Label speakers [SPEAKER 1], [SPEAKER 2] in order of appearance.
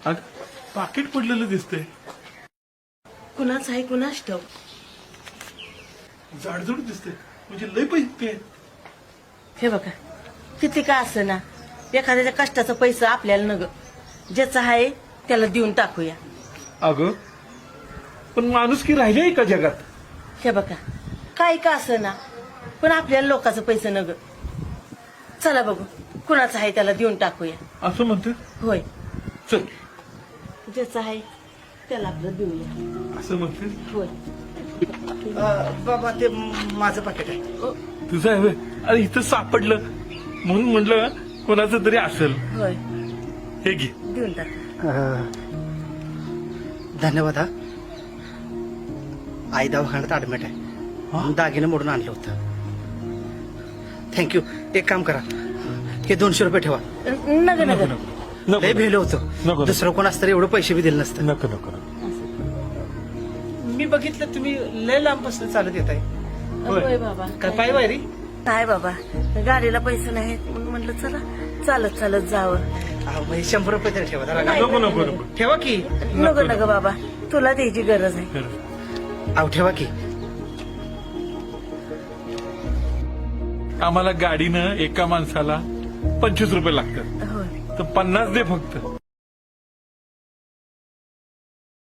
[SPEAKER 1] अग पाकिट पडलेलं दिसतंय.
[SPEAKER 2] कुणाच आहे कुणाच ठाऊक.
[SPEAKER 1] जाडजूड दिसतंय म्हणजे लय पैसे.
[SPEAKER 2] हे बघा किती का असं ना एखाद्याच्या कष्टाचं पैसा आपल्याला नग ज्याचं आहे त्याला देऊन टाकूया.
[SPEAKER 1] अगं पण माणूस की राहिले का जगात.
[SPEAKER 2] हे बघा काय का असं ना पण आपल्याला लोकांचं पैसे नग. चला बघू कुणाचं आहे त्याला देऊन टाकूया.
[SPEAKER 1] असं म्हणते.
[SPEAKER 2] होय
[SPEAKER 1] चल
[SPEAKER 2] ज्याचं आहे त्याला आपलं देऊया.
[SPEAKER 1] असं म्हणते.
[SPEAKER 2] होय
[SPEAKER 3] बाबा ते माझं पाकिट आहे.
[SPEAKER 1] तुझं आहे व्हय? अरे इथं सापडलं म्हणून म्हटलं कोणाचं तरी असेल.
[SPEAKER 2] होय
[SPEAKER 1] हे घे.
[SPEAKER 2] देऊन टाक.
[SPEAKER 3] धन्यवाद हा. आई दवाखान्यात ऍडमिट आहे. दागिने मोडून आणलं होतं. थँक्यू. एक काम करा हे 200 रुपये ठेवा.
[SPEAKER 2] नग नग
[SPEAKER 3] लय भेलं
[SPEAKER 1] नको.
[SPEAKER 3] होतं. दुसरं कोण असतं एवढं पैसे बी दिले नसतं.
[SPEAKER 1] नको नको.
[SPEAKER 3] मी बघितलं तुम्ही लय लांबपासून चालत येत आहे.
[SPEAKER 2] होय बाबा.
[SPEAKER 3] काय पाय वायरी.
[SPEAKER 2] नाही बाबा गाडीला पैसे नाहीत म्हणून म्हटलं चला चालत चालत जावं.
[SPEAKER 3] म्हणजे 100 रुपये तरी ठेवा जरा.
[SPEAKER 1] नको नको नको.
[SPEAKER 3] ठेवा की.
[SPEAKER 2] नको नको बाबा तुला द्यायची गरज आहे.
[SPEAKER 3] अहो ठेवा की.
[SPEAKER 1] आम्हाला गाडीनं एका माणसाला 25 रुपये लागतात
[SPEAKER 2] होय
[SPEAKER 1] तर 50 दे फक्त.